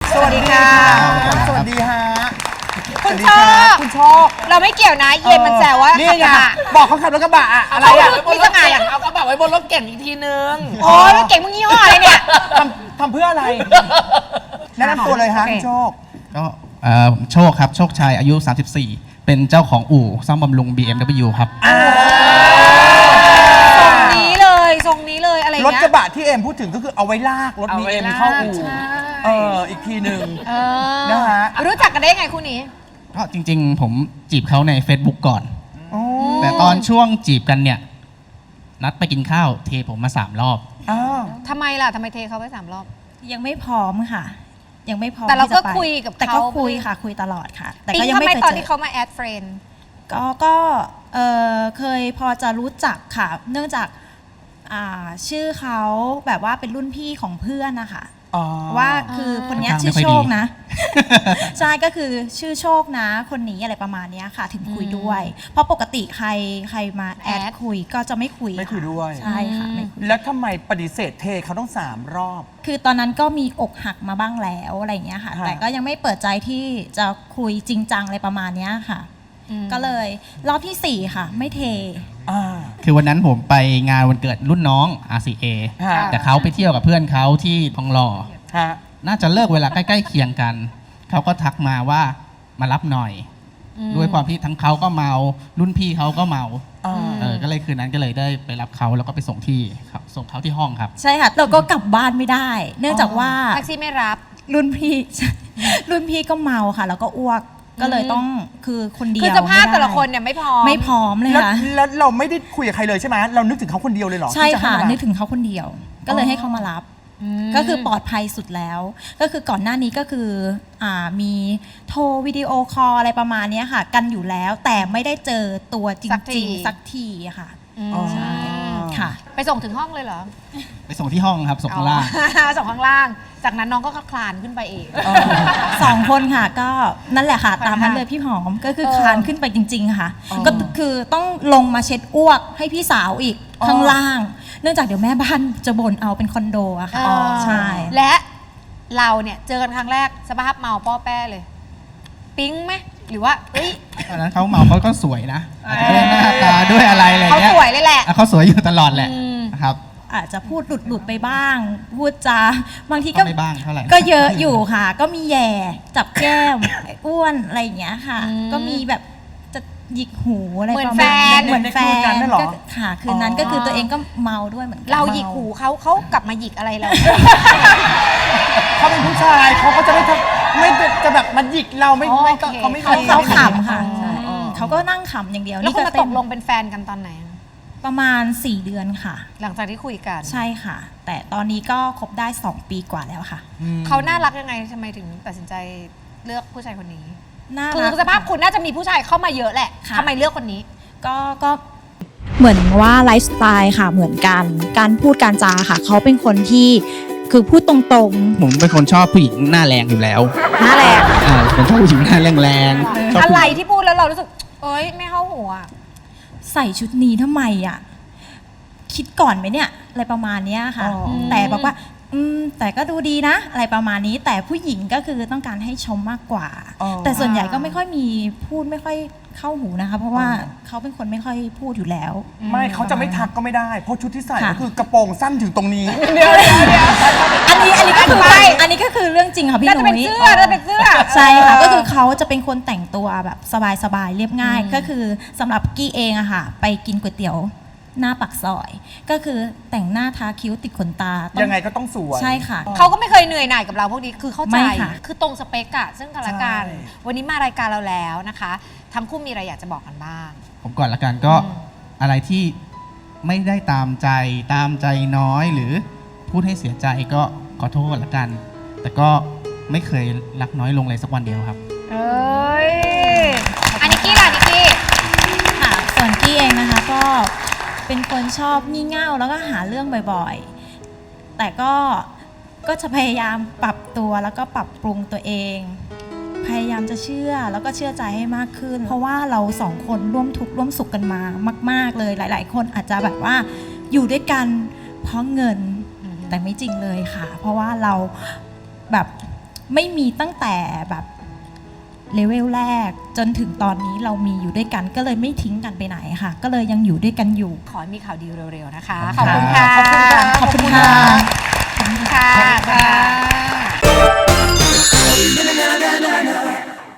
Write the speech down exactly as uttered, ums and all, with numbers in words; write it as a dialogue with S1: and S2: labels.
S1: สวัสดีค่ะสวัสดีฮะคุณโชคคุณโชคเราไม่เกี่ยวนะเย็นมันแซวว่านี่ไงบอกเขาขับรถกระบะอะไรอ่ะพี่สง่าอย่างเอากระบะไว้บนรถเก่งอีกทีนึงโอ้ยรถเก่งมึงยี่ห้ออะไรเนี่ยทำทำเพื่ออะไรแนะนำตัวเลยฮะคุณโชค
S2: ก็โชคครับโชคชัยอายุสามสิบสี่เป็นเจ้าของอู่ซ่อมบำรุง บี เอ็ม ดับเบิลยู ครับ
S1: ทรงนี้เลยทรงนี้เลยอะไรเงี้ย
S3: รถกระบะที่เอ็มพูดถึงก็คือเอาไว้ลากรถ บี เอ็ม เข้าอู่เอออีกทีหนึ่งนะฮะ
S1: รู้จักกันได้ไงคู่นี้
S2: ก็จริงๆผมจีบเขาใน Facebook ก่อนแต่ตอนช่วงจีบกันเนี่ยนัดไปกินข้าวเทผมมาสามรอบ
S1: ทำไมล่ะทำไมเทเขาไปสามรอบ
S4: ยังไม่พร้อมค่ะยังไม่พร้อม
S1: แต่เราก็คุยกับเขา
S4: แต่ก็คุยค่ะคุยตลอดค่ะ
S1: แต่ก็ยังไม่เคยเจอตอนที่เขามาแอดเฟรนด์
S4: ก็ก็เออเคยพอจะรู้จักค่ะเนื่องจากชื่อเขาแบบว่าเป็นรุ่นพี่ของเพื่อนนะคะว่าคือคนนี้ชื่อโชคนะใช่ก็คือชื่อโชคนะคนนี้อะไรประมาณนี้ค่ะถึงคุยด้วยเพราะปกติใครใครมาแอดคุยก็จะไม่คุย
S3: ไม่คุยด้วย
S4: ใช่ค่ะไม่คุย
S3: แล้วทำไมปฏิเสธเทเขาต้องสามรอบ
S4: คือตอนนั้นก็มีอกหักมาบ้างแล้วอะไรอย่างเงี้ยค่ะแต่ก็ยังไม่เปิดใจที่จะคุยจริงจังอะไรประมาณนี้ค่ะก็เลยรอบที่สี่ค่ะไม่เท
S2: คือวันนั้นผมไปงานวันเกิดรุ่นน้อง อาร์ ซี เอ แต่เขาไปเที่ยวกับเพื่อนเขาที่ทองหล่อน่าจะเลิกเวลาใกล้ๆเคียงกันเขาก็ทักมาว่ามารับหน่อยด้วยความที่ทั้งเขาก็เมารุ่นพี่เขาก็เมาเออก็เลยคืนนั้นก็เลยได้ไปรับเขาแล้วก็ไปส่งที่ส่งเขาที่ห้องครับ
S4: ใช่ค่ะเราก็กลับบ้านไม่ได้ เนื่องจากว่า
S1: แท็กซี่ไม่รับ
S4: รุ่นพี่รุ่นพี่ก็เมาค่ะแล้วก็อ้วกก็เลยต้องคือคนเดียว
S1: คือสภาพแต่ละคนเนี่ยไม่พร้อม
S4: ไม่พร้อมเลยค่ะ
S3: แล้วเราไม่ได้คุยกับใครเลยใช่ไหมเรานึกถึงเขาคนเดียวเลยเหรอ
S4: ใช่ค่ะนึกถึงเขาคนเดียวก็เลยให้เขามารับก็คือปลอดภัยสุดแล้วก็คือก่อนหน้านี้ก็คืออ่ามีโทรวิดีโอคอลอะไรประมาณนี้ค่ะกันอยู่แล้วแต่ไม่ได้เจอตัวจริงๆสักทีค่ะใช่ค่ะ
S1: ไปส่งถึงห้องเลยเหรอ
S2: ไปส่งที่ห้องครับส่งข้างล่าง
S1: ส่งข้างล่างจากนั้นน้องก็คลานขึ้นไปเอง
S4: สองคนค่ะก็นั่นแหละค่ะตามนั้นเลยพี่หอมก็คือคลานขึ้นไปจริงๆค่ะก็คือต้องลงมาเช็ดอ้วกให้พี่สาวอีกข้างล่างเนื่องจากเดี๋ยวแม่บ้านจะบ่นเอาเป็นคอนโดอะค่ะใช่
S1: และเราเนี่ยเจอกันครั้งแรกสภาพเมาป้อแป้เลยปิ๊งไหมหรือว่าเอ้ย
S2: ตอนนั้นเขาเมาเขาก็สวยนะด้วยหน้าตาด้วยอะไรอะไรเงี้ย
S1: เขาสวยเลยแหละ
S2: เขาสวยอยู่ตลอดแหละครับ
S4: อาจจะพูดหลุดหลุดไปบ้างพูดจาบางทีก็
S2: ไม่บ้างเท่าไหร่
S4: ก็เยอะอยู่ค่ะก็มีแย่จับแก้มอ้วนอะไรอย่างเงี้ยค่ะก็มีแบบจะหยิกหูอะไรประมาณนี้เหมือนแฟนก็ค่ะคืนนั้นก็คือตัวเองก็เมาด้วยเหมือนกัน
S1: เราหยิกหูเขาเขากลับมาหยิกอะไรเรา
S3: เขาเป็นผู้ชายเขาก็จะไม่ไม่จะแบบมาหยิกเราไม่ไม่เขาไม่
S4: เขาขำค่ะเขาก็นั่งขำอย่างเดียว
S1: แล้วคุณมาตกลงเป็นแฟนกันตอนไหน
S4: ประมาณสี่เดือนค่ะ
S1: หลังจากที่คุยกัน
S4: ใช่ค่ะแต่ตอนนี้ก็คบได้สองปีกว่าแล้วค่ะ
S1: เขาน่ารักยังไงทำไมถึงตัดสินใจเลือกผู้ชายคนนี้คือสภาพคุณน่าจะมีผู้ชายเข้ามาเยอะแหละทำไมเลือกคนนี้
S4: ก็ก็เหมือนว่าไลฟ์สไตล์ค่ะเหมือนกันการพูดการจาค่ะเขาเป็นคนที่คือพูดตรง
S2: ๆผมเป็นคนชอบผู้หญิงหน้าแรงอยู่แล้ว
S1: หน้าแรง
S2: อ่าเป็นชอบผู้หญิงหน้าแรง
S1: ๆอะไรที่พูดแล้วเรารู้สึกเอ้ยไม่เข้าหัว
S4: ใส่ชุดนี้ทำไมอ่ะคิดก่อนไหมเนี่ยอะไรประมาณนี้ค่ะแต่บอกว่าอืมแต่ก็ดูดีนะอะไรประมาณนี้แต่ผู้หญิงก็คือต้องการให้ชมมากกว่าแต่ส่วนใหญ่ก็ไม่ค่อยมีพูดไม่ค่อยเข้าหูนะคะเพราะว่าเขาเป็นคนไม่ค่อยพูดอยู่แล้ว
S3: ไม่เขาจะไม่ทักก็ไม่ได้เพราะชุดที่ใส่ก็คือกระโปรงสั้นถึงตรงนี้
S1: เดียวเดียวเดียว
S4: อันนี้อันนี้ก็คืออันนี้ก็คือเรื่องจริงค่ะพี่หนุ่ย
S1: น่าจะเป็นเสื้อน่าจะเป็นเสื้อ
S4: ใช่ค่ะก็คือเขาจะเป็นคนแต่งตัวแบบสบายๆเรียบง่ายก็คือสำหรับกี้เองอะค่ะไปกินก๋วยเตี๋ยวหน้าปากซอยก็คือแต่งหน้าทาคิ้วติดขนตา
S3: ยังไงก็ต้องสวย
S4: ใช่ค่ะ
S1: เขาก็ไม่เคยเหนื่อยหน่ายกับเราพวกนี้คือเข้าใจคือตรงสเปกอะซึ่งกันและกันวันนี้มารายการเราแล้วนะคะทั้งคู่มีอะไรอยากจะบอกกันบ้าง
S2: ผมก่อนละกันก็อะไรที่ไม่ได้ตามใจตามใจน้อยหรือพูดให้เสียใจก็ขอโทษละกันแต่ก็ไม่เคยรักน้อยลงเลยสักวันเดียวครับ
S1: เอ้ยอันนี้กี้ล่ะนิกกี้
S4: ค่ะส่วนกี้เองนะคะก็เป็นคนชอบงี่เง่าแล้วก็หาเรื่องบ่อยๆแต่ก็ก็จะพยายามปรับตัวแล้วก็ปรับปรุงตัวเองพยายามจะเชื่อแล้วก็เชื่อใจให้มากขึ้นเพราะว่าเราสองคนร่วมทุกข์ร่วมสุขกันมามากๆเลยหลายๆคนอาจจะแบบว่าอยู่ด้วยกันเพราะเงินแต่ไม่จริงเลยค่ะเพราะว่าเราแบบไม่มีตั้งแต่แบบเลเวลแรกจนถึงตอนนี้เรามีอยู่ด้วยกันก็เลยไม่ทิ้งกันไปไหนค่ะก็เลยยังอยู่ด้วยกันอยู่
S1: ขอให้มีข่าวดีเร็วๆนะคะ
S2: ขอบคุณ
S1: ค่ะ
S3: ขอบคุณค่ะ
S4: ขอบคุณค่ะ
S1: ขอบคุณค่ะ